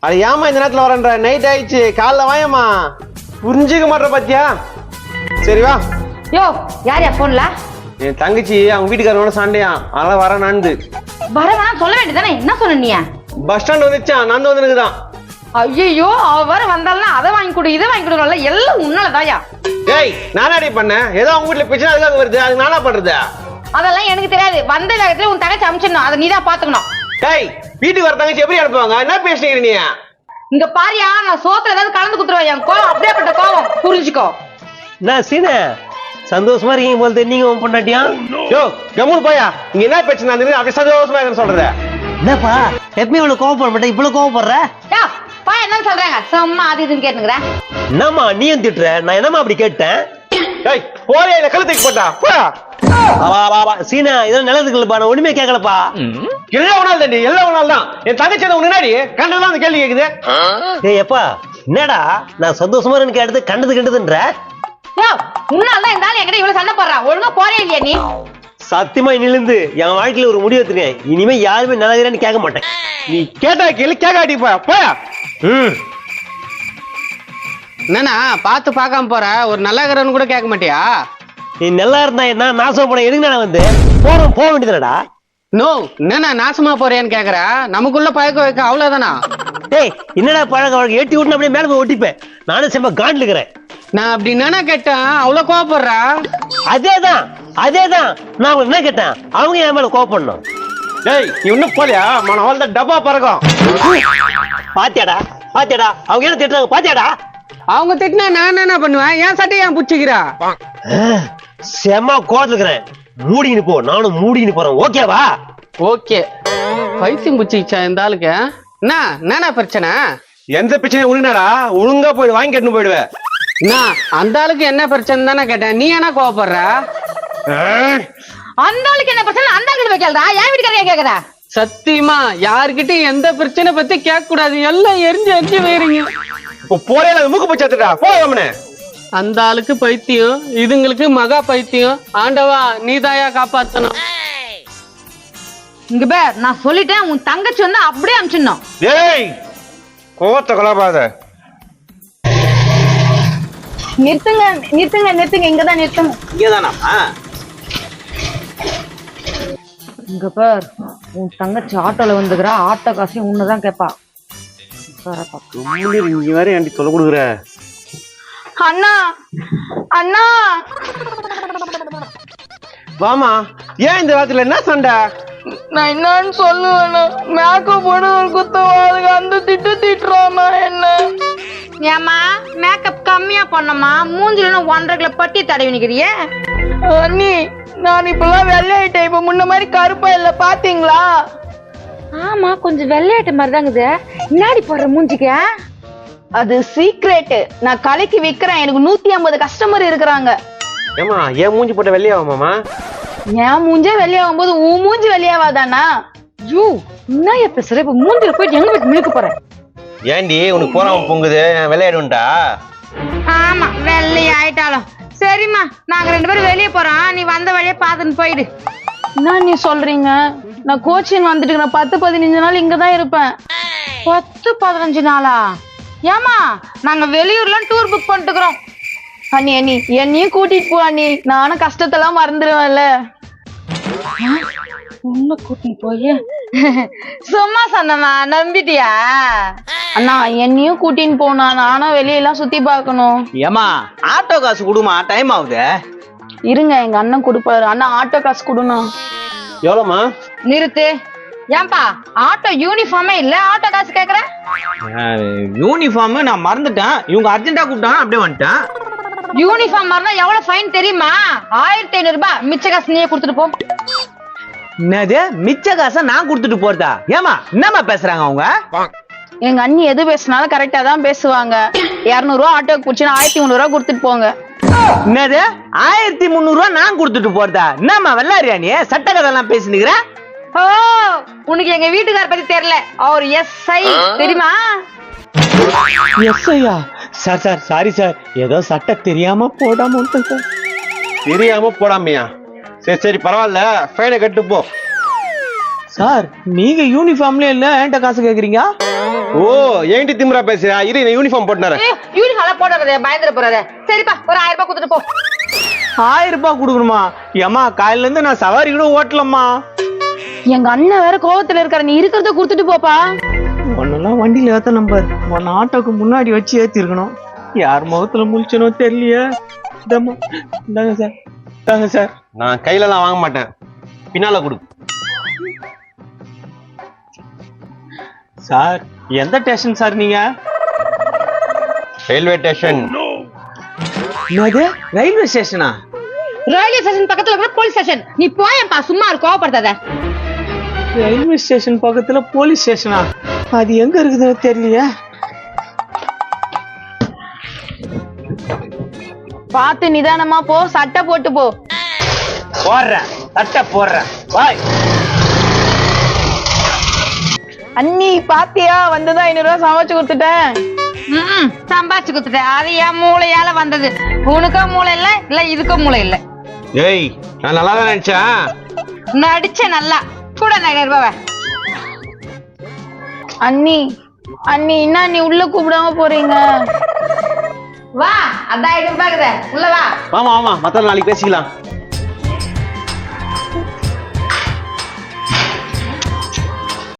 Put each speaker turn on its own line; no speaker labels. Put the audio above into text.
அது ஏமா இந்த நேரத்துல வரேன்ற? நைட் ஆயிடுச்சு, காலைல வாயம்மா. புரிஞ்சுக்க மாட்டேற பாத்தியா? சரி வா.
யோ யார் போன்ல?
என் தங்கச்சி அவங்க வீட்டுக்காரனோட சண்டையா, அதனால வரேனான்னு.
வரவா சொல்ல வேண்டியதானே, என்ன சொன்ன நீ?
பஸ் ஸ்டாண்ட் வந்துச்சான், நான் வந்து எனக்குதான்.
ஐயோ அவ வர வந்தாலும் அதை வாங்கி கொடு இதை வாங்கி கொடுக்கல, எல்லாம் உன்னாலதாயா.
ஏய் நானாடி பண்ணேன், ஏதோ அவங்க வீட்டுல பிரச்சனை அதுக்காக வருது, அது நானா பண்றது?
அதெல்லாம் எனக்கு தெரியாது. வந்த வேகத்துல உன் தங்கச்சி அமிச்சிடணும், அதை நீதான் பாத்துக்கணும்.
ஏய் வீட்டுக்கு வர தங்கச்சி எப்படி அனுப்புவாங்க? என்ன பேசுறீங்க நீ?
இங்க பாரியா, நான் சோத்துல ஏதாவது கலந்து குத்துருவேன். என் கோவம் அப்படியேப்பட்ட கோவம், புரிஞ்சுக்கோ.
நான் சீன சந்தோஷமா இருக்கீங்க போல நீங்க பொண்டாட்டியா?
யோ கம்முனு போயா, இங்க என்ன பிரச்சனை அப்படி சந்தோஷமா இருக்குன்னு சொல்றத?
என்னப்பா எப்பவுமே இவ்வளவு கோவப்பட மாட்டேன், இவ்வளவு கோவப்படுற?
பா என்ன சொல்றாங்க சும்மா அது இதுன்னு கேட்டுக்கிறேன்.
என்னம்மா நீயும் திட்டுற? நான் என்னம்மா அப்படி கேட்டேன்?
ஏய் போயா, இத கழுத்துக்கு போட்டா போயா.
சீனா இதெல்லாம் நல்லதுக்கு இல்லப்பா, நான் ஒண்ணுமே கேட்கலப்பா.
எல்லாம் ஒன்னால தாண்டி, எல்லாம் ஒன்னால தான். என் தங்கச்சி உனக்கு முன்னாடி கண்டதான் அந்த கேள்வி கேக்குது.
ஏய் எப்பா என்னடா நான் சந்தோஷமா இருந்து கேட்டது கண்டது கண்டதுன்ற?
உன்னால்தான் இந்த ஆள் என்கிட்ட இவ்வளவு சண்டை போடுறான். ஒழுங்கா போறே இல்லையா நீ?
சத்தியமா நிலந்து என் வாழ்க்கையில ஒரு முடிவு எடுத்துருக்கேன். இனிமே யாருமே நல்லதுன்னு கேட்க மாட்டேன்.
நீ கேட்டா கேள்வி கேட்காட்டி போயா போயா.
என்னண்ணா பார்த்து பார்க்காம போற, ஒரு நல்லா இருக்கிறவனு கூட கேட்க மாட்டியா?
நீ நல்லா இருந்தா என்ன, நாசம் போன எதுக்கு நான் வந்து போறோம் போக வேண்டியதுடா.
நோ என்னண்ணா நாசமா போறேன்னு கேக்குற? நமக்குள்ள பழக்க வைக்க அவ்வளவுதானா?
டேய் என்னடா பழக்க வழக்கம் ஏட்டி விட்டு அப்படியே மேல போய் ஒட்டிப்பேன். நானும் செம்ம காண்டில் இருக்கிறேன்.
நான் அப்படி என்னன்னா கேட்டேன், அவ்வளவு கோவப்படுறா?
அதேதான் நான் அவங்க என்ன கேட்டேன், அவங்க என் மேல கோவப்படணும்.
டேய் நீ இன்னும் போலியா? மன அவள் தான் டப்பா பறக்கும்.
பாத்தியாடா அவங்க என்ன திட்டுறாங்க பாத்தியாடா?
அவங்க திட்டினா நான் என்ன பண்ணுவேன்? என் சட்டையை ஏன் புடிச்சுக்கிறா?
செம்ம கோவத்துல இருக்கிறேன். மூடின்னு போ, நானும் மூடின்னு போறேன். ஓகேவா?
ஓகே. பைத்தியம் புடிச்சிச்சா இந்த ஆளுக்கு? என்ன பிரச்சனை?
எந்த பிரச்சனை உனக்குனாடா? ஒழுங்கா போய் வாங்கி கட்டுன்னு போயிடுவேன்.
அந்த ஆளுக்கு என்ன பிரச்சனை தானே கேட்டேன், நீ என்ன கோவப்படுற?
அந்த ஆளுக்கு என்ன பிரச்சனை? அந்த ஆளுக்கு வைக்கலடா, என் வீட்டுக்காரங்க கேக்குற.
சத்தியமா யாருக்கிட்டையும் எந்த பிரச்சனை பத்தி கேட்க கூடாது. எல்லாம் எரிஞ்சு வேறீங்க.
போறேன் மூக்கு போச்சாத்துடா போவனே.
அந்த ஆளுக்கு பைத்தியம், இதுங்களுக்கு மகா பைத்தியம். ஆண்டவா நீதாயா காப்பாத்தணும்.
இங்க பேர் நான் சொல்லிட்டேன், உன் தங்கச்சி வந்து அப்படியே அமிச்சிடணும்.
ஏய் கோவத்தை கொலாபாத.
நிறுத்துங்க இங்கதான் நிறுத்துங்க.
இங்கதானாமா?
இங்க பார், உன் தங்கச்சி ஆட்டோல வந்துக்கிறா, ஆட்டோ காசையும் உன்னதான் கேப்பா.
இங்க வேற ஏன்டி சொல்ல கொடுக்குற?
அண்ணா
வாமா. ஏன் இந்த வாரத்துல என்ன சண்டை?
நான் என்னன்னு சொல்லுவேண்ணா, மேக்கப் போட ஒரு குத்தவாதுக்கு அந்த திட்டுறாமா என்ன. ஏமா மேக்கப் கம்மியா பண்ணமா, மூஞ்சில 1.5 கிலோ பட்டி தடவி நிக்கிறிய. அண்ணி நான் இப்பெல்லாம் வெள்ளையிட்டேன், இப்ப முன்ன மாதிரி கருப்பா இல்ல பாத்தீங்களா? ஆமா கொஞ்சம் வெள்ளையாட்ட மாதிரி தாங்குது. முன்னாடி போடுற மூஞ்சிக்க அது சீக்ரெட். நான் கலைக்கு விக்கிறேன், எனக்கு 150 கஸ்டமர் இருக்கிறாங்க.
ஏமா ஏன் மூஞ்சி போட்ட வெள்ளையாவாமாமா?
என் மூஞ்சே வெளியாகும் போது உன் மூஞ்சி வெளியாவாதானா? யூ என்ன பேசுற? இப்ப மூஞ்சில போயிட்டு எங்க போய் மிழுக்க போறேன்?
ஏண்டி உனக்கு போறாம பொங்குது, வெள்ளையாடுண்டா?
ஆமா வெள்ளை ஆயிட்டாலும் சரிம்மா, நாங்க 2 பேரும் வெளியே போறோம், நீ வந்த வழியே பாத்துன்னு போயிடு. என்ன நீ சொல்றீங்க? நான் கோச்சிங் வந்துட்டு 10-15 நாள் இங்கதான் இருப்பேன். 10-15 நாளா? ஏமா நாங்க வெளியூர்ல டூர் புக் பண்ணிட்டுக்கிறோம். அண்ணி என்னையும் கூட்டிட்டு போ அண்ணி, நானும் கஷ்டத்தெல்லாம் மறந்துடுவேன்ல. உன்ன கூட்டிட்டு போய் சும்மா சொன்னமா நம்பிட்டியா? அண்ணா என்னையும் கூட்டின்னு போனா, நானும் வெளியெல்லாம் சுத்தி பார்க்கணும்.
ஏமா ஆட்டோ காசு கொடுமா, டைம் ஆகுது.
இருங்க எங்க அண்ணன் கொடுப்பாரு. அண்ணா ஆட்டோ காசு கொடுணும்.
எவ்வளோமா?
நிறுத்து. ஏன்பா ஆட்டோ யூனிஃபார்மே இல்ல, ஆட்டோ காசு கேக்குற?
யூனிஃபார்ம் நான் மறந்துட்டேன், இவங்க அர்ஜென்டா கூப்பிட்டாங்க அப்படியே வந்துட்டேன்.
யூனிஃபார்ம் மாறினா எவ்வளவு ஃபைன் தெரியுமா? 1500 ரூபாய். மிச்ச காசு நீயே கொடுத்துட்டு போ.
என்னது மிச்ச காசை நான் கொடுத்துட்டு போறதா? ஏமா என்னமா பேசுறாங்க அவங்க?
எங்க அண்ணி எது பேசினாலும் கரெக்டா தான் பேசுவாங்க. 200 ரூபாய் ஆட்டோக்கு பிடிச்சினா 1300 ரூபாய் கொடுத்துட்டு போங்க.
என்னது 1300 ரூபாய் நான் கொடுத்துட்டு போறதா? என்னமா வெள்ளாரியா நீ சட்ட கதெல்லாம் பேசினுக்கிற?
ஓ உனக்கு எங்க வீட்டுக்கார பத்தி தெரியல, அவர் எஸ்ஐ தெரியுமா?
எஸ்ஐயா? சார் சாரி சார், ஏதோ சட்ட தெரியாம போடாம சார்.
தெரியாம போடாமையா? சரி பரவாயில்ல, ஃபைனை கட்டு போ.
சார் நீங்க யூனிஃபார்ம்ல இல்ல என்கிட்ட காசு கேக்குறீங்க?
ஓ ஏன்டி திமிரா பேசுறியா? இரு நான் யூனிஃபார்ம் போட்டுறேன்.
யூனிஃபார்ம் போடாதே, பயந்துட போறாரு. சரிப்பா, ஒரு 1000 ரூபாய் கொடுத்துட்டு போ.
1000 ரூபாய் கொடுக்கணுமா? ஏமா காலையில இருந்து நான் சவாரி கூட ஓட்டலம்மா.
எங்க அண்ணன் வேற கோவத்துல இருக்காரு, நீ இருக்கிறத கொடுத்துட்டு போப்பா.
ஒன்னெல்லாம் வண்டியில ஏத்த நம்பர் ஒன்னு ஆட்டோக்கு முன்னாடி வச்சு ஏத்திருக்கணும். யார் முகத்துல முழிச்சனோ தெரியலையே. இந்தாங்க சார், இந்தாங்க சார்.
நான் கையில எல்லாம் வாங்க மாட்டேன், பின்னால கொடு.
சார் எந்த ஸ்டேஷன் சார் நீங்க?
Railway station.
என்னது ரயில்வே ஸ்டேஷனா?
ரயில்வே ஸ்டேஷன் பக்கத்துல இருக்கிற போலீஸ் ஸ்டேஷன். நீ போயேன்ப்பா, சும்மா இரு, கோவப்படுத்தாத.
ரயில்வே ஸ்டேஷன் பக்கத்துல போலீஸ் ஸ்டேஷனா? அது எங்க இருக்குதுன்னு தெரியலையே.
பார்த்து நிதானமா போ, சட்டை போட்டு போ.
போடுறேன், சட்டை போடுறேன். பாய்.
அண்ணி பாத்தியா, வந்துதான் 500 ரூபாய் சமைச்சு கொடுத்துட்டேன். சம்பாதிச்சு கொடுத்துட்டேன். அது என் மூளையால வந்தது. உனக்கோ மூளை இல்ல, இல்ல இதுக்கோ மூளை இல்ல.
ஏய் நான் நல்லா தான் நினைச்சேன்.
நடிச்ச நல்லா கூட 1000 ரூபாய். அண்ணி அண்ணி என்ன நீ உள்ள கூப்பிடாம போறீங்க? வா, அதான் 500 ரூபாய் உள்ள வா.
ஆமா ஆமா, மத்த நாளைக்கு பேசிக்கலாம்.